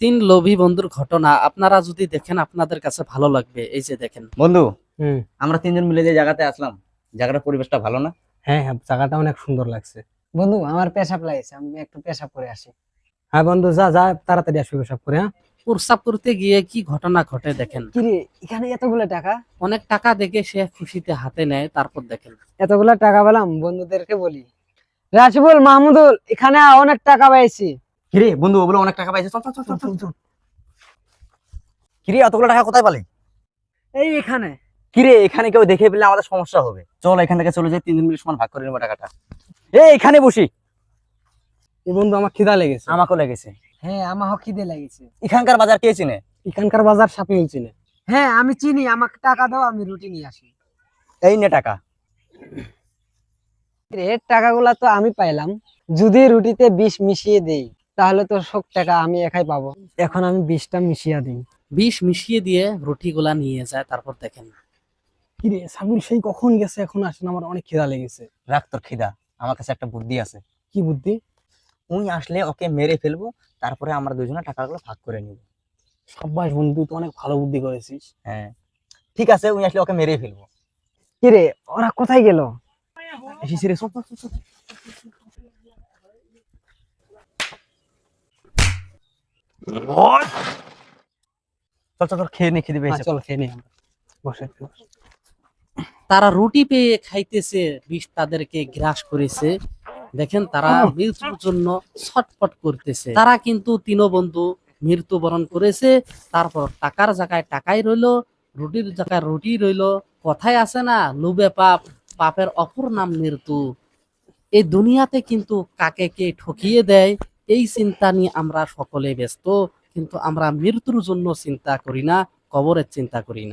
তিন লোভী বন্ধুর ঘটনা আপনারা যদি দেখেন আপনাদের কাছে ভালো লাগবে। এই যে দেখেন বন্ধু, হুম। আমরা তিনজন মিলে যে জায়গাতে আসলাম, জায়গাটার পরিবেশটা ভালো না? হ্যাঁ হ্যাঁ, জায়গাটা অনেক সুন্দর লাগছে। বন্ধু আমার পেশাব লাগছে, আমি একটু পেশাব করে আসি। হ্যাঁ বন্ধু, যা যা তাড়াতাড়ি আসবে সব করে। হ্যাঁ, প্রস্রাব করতে গিয়ে কি ঘটনা ঘটে দেখেন। কিরে এখানে এতগুলো টাকা? অনেক টাকা দেখে সে খুশিতে হাতে নেয়, তারপর দেখেন এতগুলো টাকা পেলাম, বন্ধুদেরকে বলি রাশিবুল, মাহমুদুল, এখানে অনেক টাকা পাইছি। কিরে বন্ধু, ওগুলো অনেক টাকা পাইছে, চল চল চল চল চল। কিরে এতগুলো টাকা কোথায় পালি? এই এখানে। কিরে এখানে কেউ দেখে ফেললে আমাদের সমস্যা হবে, চল এখান থেকে চলে যাই, তিনজন মিলে সমান ভাগ করে নেবো টাকাটা। এখানে বসি। এই বন্ধু আমার খিদা লেগেছে। আমাকেও লেগেছে। হ্যাঁ, আমার খিদে লাগিছে। এখানকার বাজার কে চিনে? এখানকার বাজার সাপিউল চিনে। হ্যাঁ আমি চিনি, আমাকে টাকা দাও, আমি রুটি নিয়ে আসি। এই নে টাকা। এর টাকাগুলা তো আমি পাইলাম, যদি রুটিতে বিষ মিশিয়ে দেই তাহলে তো সব টাকা আমি একাই পাবো। এখন আমি বিষটা মিশিয়ে দিই। বিষ মিশিয়ে দিয়ে রুটিগুলা নিয়ে যায়, তারপর দেখেন কিরে সাবিল সেই কখন গেছে, এখন আসেন, আমার অনেক খিদা লেগেছে। রাখ তোর খিদা, আমার কাছে একটা বুদ্ধি আছে। কি বুদ্ধি? উনি আসলে ওকে মেরে ফেলবো, তারপরে আমরা দুজনে টাকাগুলো ভাগ করে নিব। সাব্বাস বন্ধু, তুই তো অনেক ভালো বুদ্ধি করেছিস। হ্যাঁ ঠিক আছে, উনি আসলে ওকে মেরে ফেলবো। কিরে ওরা কোথায় গেল? এসেছি রে, চল চল চল চল। চল চল চল, খেয়ে নে, খেতে হ্যাঁ, পেয়েছে। চল খেয়ে নি আমরা। বসে একটু বস। তারা রুটি পেয়ে খাইতেছে, বিষ তাদেরকে গ্রাস করেছে। দেখেন তারা মৃত্যুর জন্য ছটফট করতেছে। তারা কিন্তু তিন বন্ধু মৃত্যুবরণ করেছে। তারপর টাকার জায়গায় টাকাই রইলো, রুটির জায়গায় রুটি রইলো। কথায় আছে না, লোভে পাপ, পাপের অপর নাম মৃত্যু। এই দুনিয়াতে কিন্তু কাকে কে ঠকিয়ে দেয়, এই চিন্তা নিয়ে আমরা সকলে ব্যস্ত, কিন্তু আমরা মৃত্যুর জন্য চিন্তা করি না, কবরের চিন্তা করি না।